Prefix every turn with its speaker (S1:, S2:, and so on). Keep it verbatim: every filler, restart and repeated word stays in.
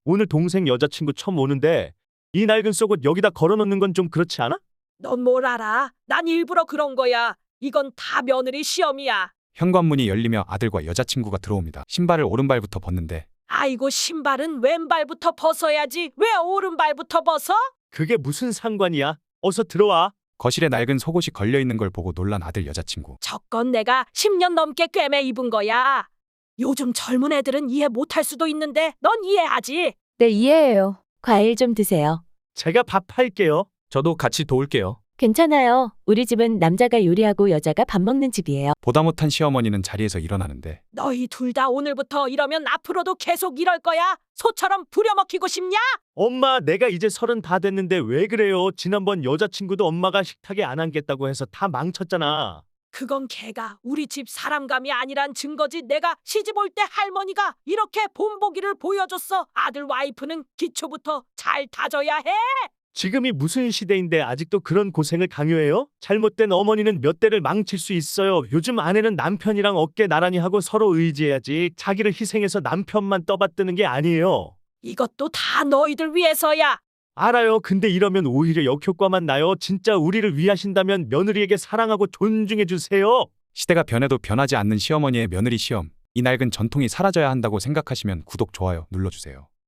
S1: 오늘 동생 여자친구 처음 오는데 이 낡은 속옷 여기다 걸어놓는 건 좀 그렇지 않아?
S2: 넌 뭘 알아? 난 일부러 그런 거야. 이건 다 며느리 시험이야.
S3: 현관문이 열리며 아들과 여자친구가 들어옵니다. 신발을 오른발부터 벗는데
S2: 아이고 신발은 왼발부터 벗어야지. 왜 오른발부터 벗어?
S1: 그게 무슨 상관이야? 어서 들어와.
S3: 거실에 낡은 속옷이 걸려있는 걸 보고 놀란 아들 여자친구.
S2: 저건 내가 십 년 넘게 꿰매 입은 거야. 요즘 젊은 애들은 이해 못할 수도 있는데 넌 이해하지?
S4: 네, 이해해요. 과일 좀 드세요.
S1: 제가 밥 할게요.
S5: 저도 같이 도울게요.
S4: 괜찮아요. 우리 집은 남자가 요리하고 여자가 밥 먹는 집이에요.
S3: 보다 못한 시어머니는 자리에서 일어나는데
S2: 너희 둘 다 오늘부터 이러면 앞으로도 계속 이럴 거야? 소처럼 부려먹히고 싶냐?
S1: 엄마, 내가 이제 서른 다 됐는데 왜 그래요? 지난번 여자친구도 엄마가 식탁에 안 앉겠다고 해서 다 망쳤잖아.
S2: 그건 걔가 우리 집 사람감이 아니란 증거지. 내가 시집 올 때 할머니가 이렇게 본보기를 보여줬어. 아들 와이프는 기초부터 잘 다져야 해.
S1: 지금이 무슨 시대인데 아직도 그런 고생을 강요해요? 잘못된 어머니는 몇 대를 망칠 수 있어요. 요즘 아내는 남편이랑 어깨 나란히 하고 서로 의지해야지 자기를 희생해서 남편만 떠받드는 게 아니에요.
S2: 이것도 다 너희들 위해서야.
S1: 알아요. 근데 이러면 오히려 역효과만 나요. 진짜 우리를 위하신다면 며느리에게 사랑하고 존중해 주세요.
S3: 시대가 변해도 변하지 않는 시어머니의 며느리 시험. 이 낡은 전통이 사라져야 한다고 생각하시면 구독, 좋아요 눌러주세요.